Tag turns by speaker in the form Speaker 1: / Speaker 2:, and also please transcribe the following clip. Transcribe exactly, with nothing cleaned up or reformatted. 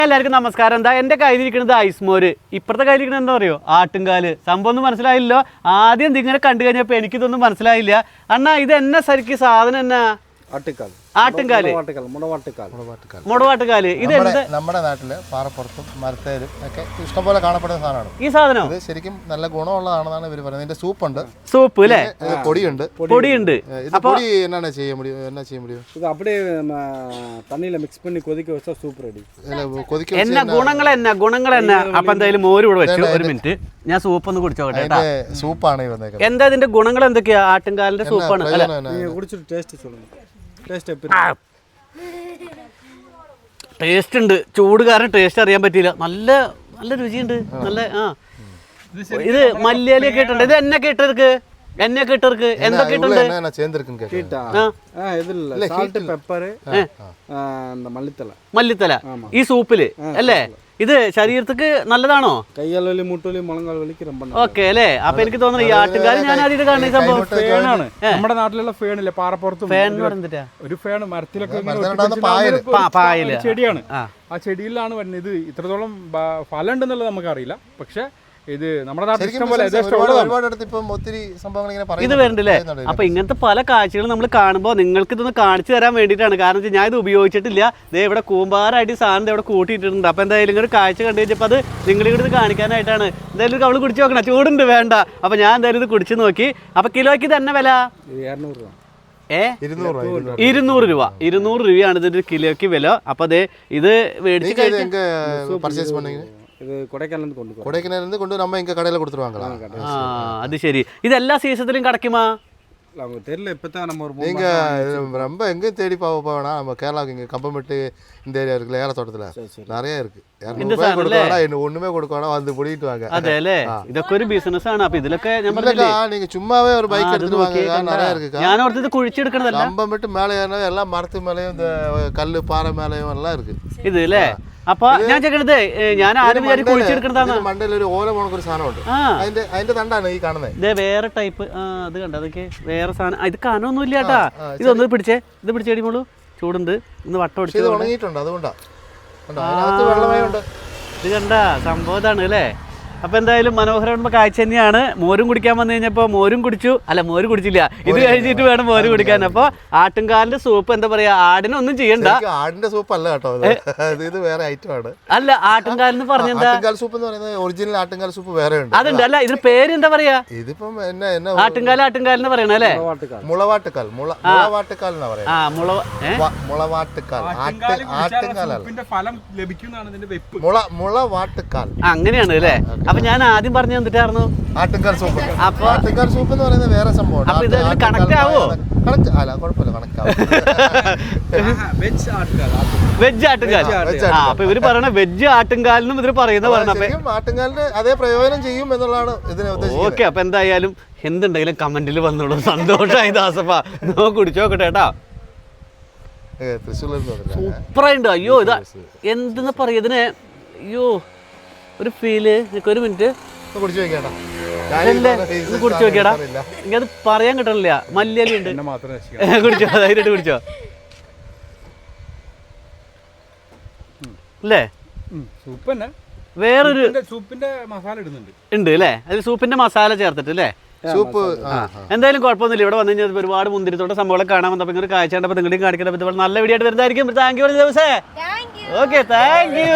Speaker 1: എല്ലാവർക്കും നമസ്കാരം. എന്താ എൻ്റെ കയ്യിലിരിക്കുന്നത് ഐസ്മോര്, ഇപ്പുറത്തെ കയ്യിലിരിക്കുന്നത് എന്താ പറയുക ആട്ടുംകാല്. സംഭവം ഒന്നും മനസ്സിലായില്ലോ. ആദ്യം ഇതിങ്ങനെ കണ്ടു കഴിഞ്ഞപ്പോൾ എനിക്കിതൊന്നും മനസ്സിലായില്ല. അണ്ണാ ഇത് എന്നാ ശരിക്കും സാധനം എന്നാ?
Speaker 2: ആട്ടുകാൽ,
Speaker 1: ആട്ടുംകാല്, മുടവാട്ടുകാല്. ഇത്
Speaker 3: നമ്മുടെ നാട്ടില് പാറപ്പുറത്തും മരത്തേലും ഒക്കെ ഇഷ്ടംപോലെ കാണപ്പെടുന്ന സാധനമാണ്
Speaker 1: ഈ സാധനം.
Speaker 3: ഇത് ശരിക്കും നല്ല ഗുണമുള്ളതാണെന്നാണ് ഇവർ പറയുന്നത്. ഇതിന്റെ സൂപ്പ് ഉണ്ട്,
Speaker 1: സൂപ്പ് അല്ലേ,
Speaker 3: പൊടിയുണ്ട്
Speaker 1: പൊടിയുണ്ട്.
Speaker 3: ഇത് പൊടി എന്നാണ് ചെയ്യാൻ முடியும்? എന്നാ ചെയ്യാൻ முடியும்?
Speaker 2: இது அப்படியே தண்ணியில மிக்ஸ் பண்ணி கொதிக்க வச்சா சூப் ரெடி.
Speaker 3: കൊതിക്ക
Speaker 1: എന്നാ ഗുണങ്ങൾ എന്നാ ഗുണങ്ങൾ എന്നാ? അപ്പൊ എന്തായാലും മോര് കൂടെ വെച്ചു. ഒരു മിനിറ്റ് ഞാൻ സൂപ്പ് ഒന്ന് കുടിച്ചോട്ടെ.
Speaker 3: സൂപ്പാണ് ഈ വന്നേക്കുന്നത്.
Speaker 1: എന്താ ഇതിന്റെ ഗുണങ്ങൾ എന്തൊക്കെയാ? ആട്ടുംകാലിന്റെ സൂപ്പാണ്.
Speaker 2: நீங்க குடிச்சிட்டு டேஸ்ட் சொல்லுங்க. ടേസ്റ്റ് எப்படி?
Speaker 1: ടേസ്റ്റ് ഉണ്ട്. ചൂട് കാരണം ടേസ്റ്റ് അറിയാൻ പറ്റിയില്ല. നല്ല നല്ല രുചിയുണ്ട്. നല്ല ആ ഇത് മല്ലിയിലൊക്കെ ഇട്ടുണ്ട്. ഇത് എന്നൊക്കെ ഇട്ടർക്ക് എന്നൊക്കെ ഇട്ടർക്ക് എന്തൊക്കെ ഇട്ടുണ്ട്? മല്ലിത്തല ഈ സൂപ്പില് അല്ലേ? ഇത് ശരീരത്തിക്ക് നല്ലതാണോ?
Speaker 2: കയ്യാലി മുട്ടലി മുളങ്കാൽ വലിക്ക് ரொம்ப
Speaker 1: ഓക്കെ അല്ലേ? അപ്പൊ എനിക്ക് തോന്നുന്നു ഈ ആട്ടുകാല് ഞാൻ ആദ്യമായിട്ട് കാണുന്ന സംഭവം
Speaker 4: ഫേനാണ്. നമ്മുടെ നാട്ടിലുള്ള ഫേണില്ലേ, പാറപ്പുറത്തും
Speaker 1: ഫാൻ പറഞ്ഞിട്ടാ
Speaker 4: ഒരു ഫേൺ മരത്തിലൊക്കെ
Speaker 1: പായല്
Speaker 4: ചെടിയാണ്. ആ ചെടിയിലാണ് വരുന്നത്. ഇത് ഇത്രത്തോളം ഫലം ഉണ്ടെന്നുള്ളത് നമുക്കറിയില്ല. പക്ഷെ ഇത് നമ്മുടെ നാട്ടിൽ ഇഷ്ടംപോലെ
Speaker 1: ഇത് വരണ്ടല്ലേ? അപ്പൊ ഇങ്ങനത്തെ പല കാഴ്ചകളും നമ്മൾ കാണുമ്പോൾ നിങ്ങൾക്ക് ഇതൊന്ന് കാണിച്ചു തരാൻ വേണ്ടിയിട്ടാണ്. കാരണം ഞാൻ ഇത് ഉപയോഗിച്ചിട്ടില്ല. ദേ ഇവിടെ കൂമ്പാറായിട്ട് സാധനം ഇവിടെ കൂട്ടിയിട്ടുണ്ട്. അപ്പൊ എന്തായാലും ഇങ്ങനെ കാഴ്ച കണ്ടു കഴിഞ്ഞപ്പോൾ അത് നിങ്ങളിവിടെ ഇത് കാണിക്കാനായിട്ടാണ്. എന്തായാലും അവള് കുടിച്ചു നോക്കണം. ചൂടുണ്ട് വേണ്ട. അപ്പൊ ഞാൻ എന്തായാലും ഇത് കുടിച്ചു നോക്കി. അപ്പൊ കിലോയ്ക്ക് തന്നെ വില ഏ ഇരുന്നൂറ് രൂപ. ഇരുന്നൂറ് രൂപയാണ് ഇതിന്റെ കിലോയ്ക്ക് വില. അപ്പൊ അതെ ഇത് മേടിച്ച്
Speaker 2: இது கொடைக்கானல்ல கொண்டு போறோம்.
Speaker 3: கொடைக்கானல்ல கொண்டு நம்ம இங்க கடையில கொடுத்துருவாங்களா?
Speaker 1: ആ അത് ശരി. ഇത് എല്ലാ സീസണിലും കിടക്കുമാ?
Speaker 2: அவங்க தெரியல. இப்பதான் நம்ம ஒரு
Speaker 3: நீங்க ரொம்ப எங்க தேடி போக போவேனா? நம்ம கேரளாக்கு இங்க கம்பமெட்டு இந்த ஏரியா இருக்குல்ல, ஏலத்தோட்டத்துல நிறைய இருக்கு. ஒண்ணுமே கொடுக்க வேணாம், வந்து பிடிக்கிட்டு வாங்க.
Speaker 1: അതെ അല്ലേ? ഇതൊക്കെ ഒരു ബിസിനസ് ആണ്. അപ്പൊ ഇതിലൊക്കെ ഞാൻ പറഞ്ഞില്ലേ,
Speaker 3: நீங்க சும்மாவே ஒரு பைக் எடுத்துட்டு வாங்க, நிறைய இருக்கு.
Speaker 1: ഞാൻ ഓർത്തത് കുഴിച്ചെടുക്കണതല്ല.
Speaker 3: கம்பமெட்டு மேலே ஏறினா எல்லாம் மரத்து மேலேயும் இந்த கல்லு பாறை மேலேயும் எல்லாம் இருக்கு
Speaker 1: ഇത് അല്ലേ? അപ്പൊ ഞാൻ ചോദിക്കണത്, ഞാൻ ആരും വിചാരിച്ച് കുഴിച്ചെടുക്കണതാണ്.
Speaker 3: മണ്ടയിൽ ഒരു ഓല പോണ ഒരു സാധനമുണ്ട്. അതിന്റെ അതിന്റെ തണ്ടാണ് ഈ കാണുന്നത്.
Speaker 1: ഇതേ വേറെ ടൈപ്പ്. ആ അത് കണ്ട, അതൊക്കെ വേറെ സാധനം. ഇത് കനമൊന്നും ഇല്ല കേട്ടാ. ഇതൊന്ന് പിടിച്ചേ, ഇത് പിടിച്ചേടിമോളൂ. ചൂടുണ്ട്. ഇന്ന് വട്ടം
Speaker 3: ഇത് ഉണങ്ങിയിട്ടുണ്ട്, അതുകൊണ്ടാ. വെള്ളമയുണ്ട്.
Speaker 1: ഇത് കണ്ട സംഭവം ഇതാണ് അല്ലേ? അപ്പൊ എന്തായാലും മനോഹരമായ കാഴ്ച തന്നെയാണ്. മോരും കുടിക്കാൻ വന്നു കഴിഞ്ഞപ്പോ മോരും കുടിച്ചു. അല്ല, മോര് കുടിച്ചില്ല. ഇത് കഴിഞ്ഞിട്ട് വേണം മോര് കുടിക്കാൻ. അപ്പൊ ആട്ടുംകാലിന്റെ സൂപ്പ് എന്താ പറയാ, ആടിനൊന്നും ചെയ്യണ്ട.
Speaker 3: ആടിന്റെ സൂപ്പ് അല്ല കേട്ടോ, ഇത് വേറെ ഐറ്റം ആണ്.
Speaker 1: അല്ല, ആട്ടുംകാലെന്ന് പറഞ്ഞെന്താ?
Speaker 3: ആട്ടുംകാൽ സൂപ്പ് എന്ന് പറയുന്നത് ഒറിജിനൽ ആട്ടുംകാൽ സൂപ്പ് വേറെ ഉണ്ട്.
Speaker 1: അതുണ്ട്. അല്ല, ഇതിന് പേര് എന്താ പറയാ?
Speaker 3: ഇതിപ്പം എന്നാ എന്നാ
Speaker 1: ആട്ടുംകാൽ ആട്ടുംകാലെന്ന് പറയണ അല്ലേ?
Speaker 3: മുളവാട്ടുകാൽ. മുളവാട്ടുകാൽ എന്നാ പറയാ.
Speaker 1: ആ മുള
Speaker 3: മുളവാട്ടുകാൽ. ആട്ടുംകാലല്ല,
Speaker 4: ഫലം ലഭിക്കുന്നതാണ് ഇതിന്റെ വെപ്പ്.
Speaker 3: മുള മുളവാട്ടുകാൽ
Speaker 1: അങ്ങനെയാണ് അല്ലേ? അപ്പൊ ഞാൻ ആദ്യം പറഞ്ഞു തന്നിട്ടായിരുന്നു
Speaker 3: ആട്ടുംകാൽ സൂപ്പ്.
Speaker 1: അപ്പൊ
Speaker 3: ആട്ടുംകാൽ സൂപ്പ് എന്ന് പറയുന്നത് വേറെ സംഭവം.
Speaker 1: അപ്പൊ ഇത് കണക്ട് ആവോ?
Speaker 3: കണക്ട് അല്ല, കുഴപ്പമില്ല, കണക്ട് ആവും.
Speaker 2: വെജ് ആട്ടുകാൽ.
Speaker 1: വെജ് ആട്ടുകാൽ. ആ അപ്പൊ ഇവര് പറയണ വെജ് ആട്ടുംകാലിനും ഇവര് പറയുന്ന പറഞ്ഞ
Speaker 3: ആട്ടുംകാലിന് അതേ പ്രയോജനം ചെയ്യും എന്നുള്ളതാണ് ഇതിനെ ഉദ്ദേശിക്കുന്നത്.
Speaker 1: ഓക്കെ. അപ്പൊ എന്തായാലും എന്തുണ്ടെങ്കിലും കമന്റിൽ വന്നോളൂ. സന്തോഷമായി ദാസപ്പ. നോ കുടിച്ചോക്കട്ടെ കേട്ടാ. സൂപ്പറായിണ്ട്. അയ്യോ ഇതാ എന്തെന്ന് പറയാ ഇതിനെ. അയ്യോ ഒരു ഫീല്. ഒരു മിനിറ്റ്
Speaker 3: കുടിച്ചു നോക്കിയാടാ.
Speaker 1: കുടിച്ചു നോക്കിയാടാ. എനിക്കത് പറയാൻ കിട്ടണില്ല. മല്ലിയലി ഉണ്ട്. കുടിച്ചോ, ധൈര്യമായിട്ട് കുടിച്ചോ. അല്ലേ?
Speaker 4: സൂപ്പ് തന്നെ.
Speaker 1: വേറൊരു
Speaker 4: സൂപ്പിന്റെ മസാല ഇടുന്നുണ്ട്
Speaker 1: ഉണ്ട് അല്ലേ? അതിൽ സൂപ്പിന്റെ മസാല ചേർത്തിട്ട് അല്ലേ?
Speaker 3: സൂപ്പ്.
Speaker 1: എന്തായാലും കുഴപ്പമൊന്നുമില്ല. ഇവിടെ വന്നു കഴിഞ്ഞാൽ ഒരുപാട് മുന്തിരിത്തോട്ട സംഭവങ്ങളെ കാണാൻ വന്നപ്പോൾ ഇങ്ങനെ കാഴ്ച കണ്ടപ്പോൾ നിങ്ങളുടെയും കാണിക്കാൻ പറ്റുമ്പോൾ നല്ല വീഡിയോ ആയിട്ട് വരുന്നതായിരിക്കും. താങ്ക് യു ദിവസേ. Okay, thank U.